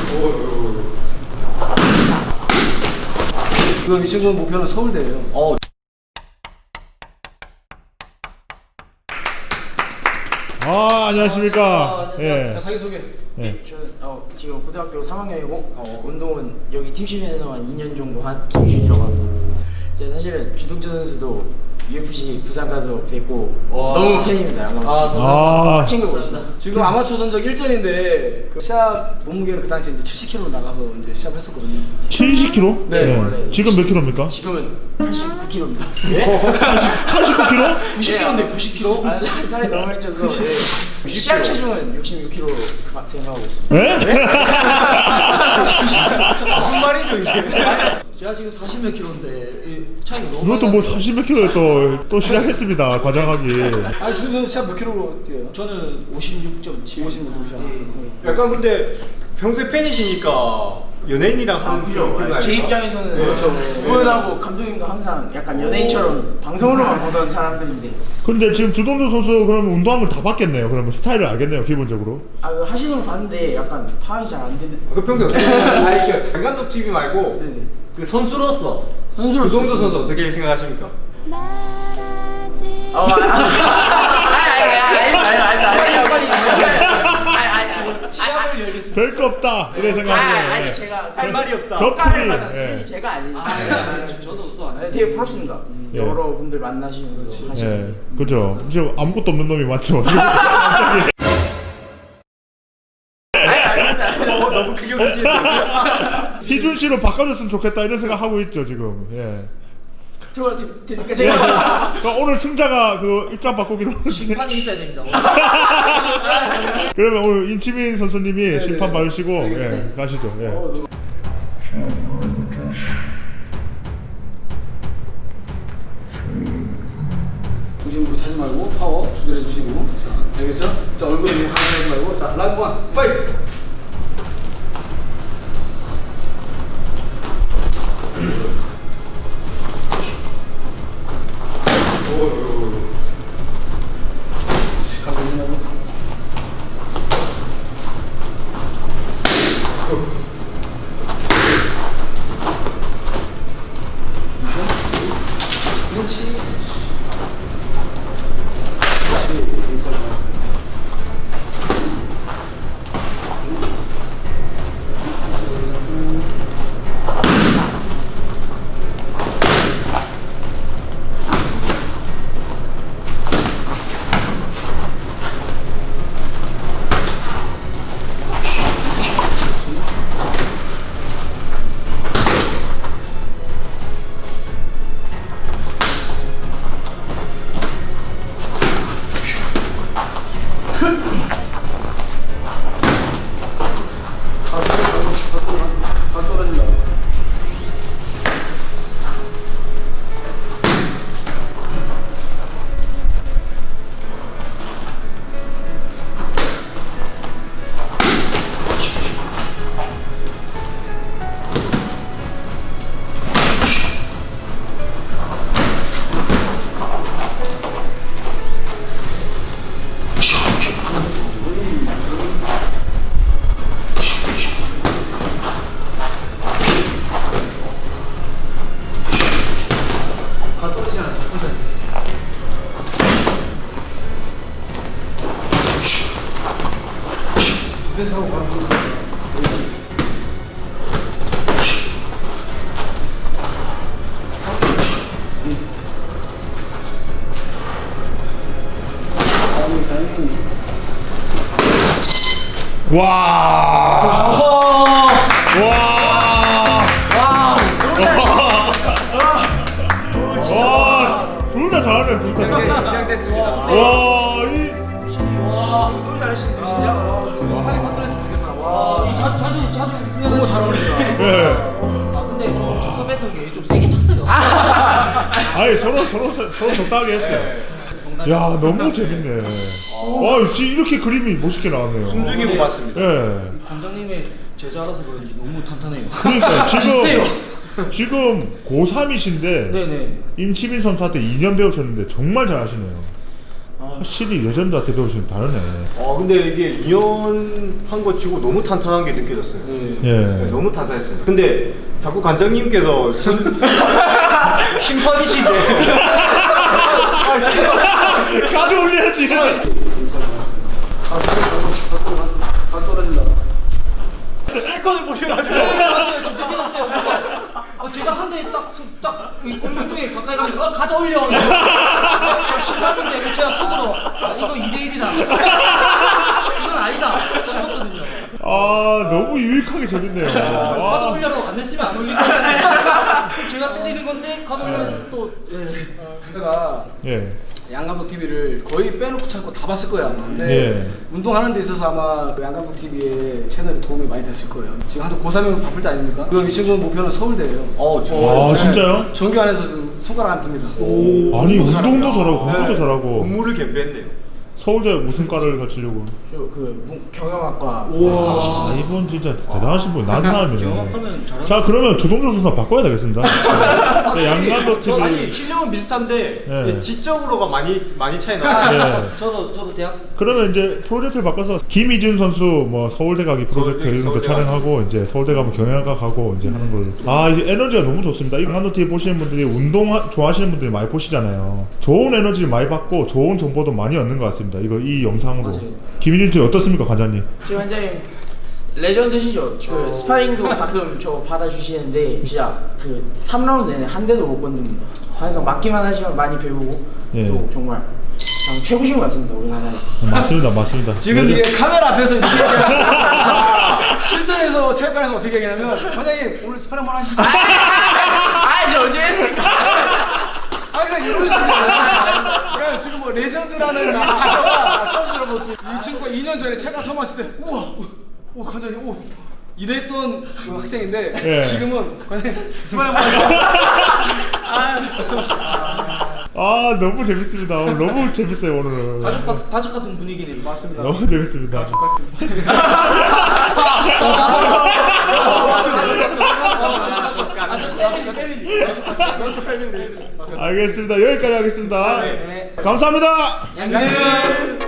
이번 미션 중 목표는 서울대예요. 안녕하십니까. 예. 자, 자기소개. 예. 저 지금 고등학교 3학년이고 운동은 여기 팀시면서만 2년 정도 한 김희준이라고 합니다. 제가 사실은 주동철 선수도 UFC 부산 가서 뵙고 너무 팬입니다. 아. 친구고 있습니다. 지금 아마추어 전적 1전인데 그 시합 몸무게는 그 당시에 이제 70kg 나가서 이제 시합했었거든요. 70kg? 네, 원래. 지금 몇 킬로입니까? 지금은 89kg입니다. 89kg? 90kg인데 90kg? 아, 살이 너무 많이 쪄서 시합 체중은 66kg 생각하고 있습니다. 예? 무슨 말이죠 이게? 제가 지금 40몇 킬로인데 차이가 너무 이것도 뭐 40몇 킬로에 또 시작했습니다. 과장하기. 아니 준선 시합 몇 킬로로 뛰어요? 저는 56.7 56.7 약간 근데 평소에 팬이시니까 연예인이랑 하는 그런 제 입장에서는 그렇죠. 두 분하고 감독님도 항상 약간 연예인처럼 방송으로만 보던 사람들인데 근데 지금 주동조 선수 그러면 운동한 걸 다 봤겠네요. 그러면 스타일을 알겠네요, 기본적으로. 그거 하시는 거 봤는데 약간 파악이 잘 안 되는. 그 평소에 어떻게 아니 그 강간독 TV 말고 네네. 그 선수로서 선수로서. 주동조 선수 어떻게 생각하십니까? 시합을 열겠습니다. 별거 없다 이래 생각하시네요. 아니 제가 할 말이 없다. 덕분이. 사실 예. 제가 아니니까. 저도 또 안. 되게 부럽습니다. 예. 여러분들 만나시면서 예, 하시는. 그죠. 지금 아무것도 없는 놈이 맞죠. 갑자기. 너무 크게 웃으시는데. 희준 씨로 바꿔줬으면 좋겠다 이런 생각 하고 있죠 지금. 예. 들어가도 되니까 제가. 그러니까 오늘 승자가 그 입장 바꾸기로. 심판이 있어야 됩니다. 그러면 오늘 인치민 선수님이 심판 봐주시고 예, 가시죠. 예. 중심으로 차지 말고 파워 조절해 주시고. 자, 알겠죠? 자, 얼굴에 너무 강하지 말고. 자, 라운드 1 파이트. 그렇지. 다 떨어진다. 다 떨어지지 않아서 떨어져야 돼. 그래서 하고 바로 떨어져. 와. 와. 와. 둘 다 잘하네, 둘 다. 긴장됐습니다. 와, 이. 너무 잘하시는데 진짜. 스파링 컨트롤했으면 좋겠다. 와. 자주 너무 잘 어울린다. 예. 근데 저 접선 패턴이 좀 세게 찼어요. 아니, 서로 적당하게 했어요. 야, 너무 재밌네. 와, 씨, 이렇게 그림이 멋있게 나왔네요. 숨죽이고 봤습니다. 예. 관장님의 제자라서 그런지 너무 탄탄해요. 그러니까 비슷해요. 지금 고3이신데 네네. 임치민 선수한테 2년 배우셨는데 정말 잘하시네요. 확실히 레전드한테 배우시면 다르네. 근데 이게 2년 한 거 치고 너무 탄탄한 게 느껴졌어요. 예. 너무 탄탄했습니다. 근데 자꾸 관장님께서 심판이신데. 카드 올려야지. 다 떨어진다. 셀건을 보셔가지고. 제가 한 대 딱 얼굴 쪽에 가까이 가면 가져 올려. 심판인데 제가 속으로 이거 2대1이다. 이건 아니다 싶었거든요. 아 너무 유익하게 재밌네요. 가져 아, 올려로 안 했으면 안 올릴 거잖아요. 그럼 제가 때리는 건데 가져 올려서 또 내가 예. 양감독 TV를 거의 빼놓고 참고 다 봤을 거야 아마. 근데 예. 운동하는 데 있어서 아마 그 양감독 TV의 채널이 도움이 많이 됐을 거예요. 지금 한참 고3이면 바쁠 때 아닙니까? 그럼 이 친구 목표는 서울대예요. 아 진짜요? 전교 안에서 좀 손가락 안 듭니다. 아니 운동도 잘하고 공부도 네. 잘하고. 업무를 겸비했네요. 서울대 무슨 과를 가치려고? 경영학과 아 이분 진짜 대단하신 분, 난 사람이네. 경험하면 잘하는. 자 그러면 주동조 선수 바꿔야 되겠습니다. 네, 양감독 TV. 아니 실력은 비슷한데 예. 지적으로가 많이 차이 나요. 예. 저도 대학 그러면 이제 프로젝트를 바꿔서 김희준 선수 뭐 서울대 가기 프로젝트 서울대, 이런 거 서울대 촬영하고 이제 서울대 가면 경영학과 가고 이제 하는 걸로. 아 이제 에너지가 너무 좋습니다. 이 양감독 TV 보시는 분들이 운동 좋아하시는 분들이 많이 보시잖아요. 좋은 에너지를 많이 받고 좋은 정보도 많이 얻는 것 같습니다. 이 영상으로. 맞아요. 김희준 씨 어떻습니까, 관장님? 지금 원장님 레전드시죠. 그 스파링도 가끔 저 받아주시는데 진짜 그 3라운드 내내 한 대도 못 건듭니다. 항상 맞기만 하지만 많이 배우고 예. 또 정말 그냥 최고신 것 같습니다 우리나라에서. 맞습니다, 맞습니다. 지금 네. 이게 카메라 앞에서 이렇게 얘기하면 실전에서 체육관에서 어떻게 얘기하냐면 관장님 오늘 스파링 한번 하시죠. 저 언제 했을까? 항상 이런 식이야. 그러니까 지금 뭐 레전드라는 이 단어가 처음 들어보지. 이 친구가 2년 전에 체육관 처음 왔을 때 우와, 관장님, 이랬던 그 학생인데 예. 지금은 관장님 스파링 한번 하시죠. 아 너무 재밌습니다. 오늘 너무 재밌어요 오늘은. 가족 같은 분위기네요. 맞습니다. 너무 재밌습니다. 알겠습니다. 여기까지 하겠습니다. 감사합니다. 양양.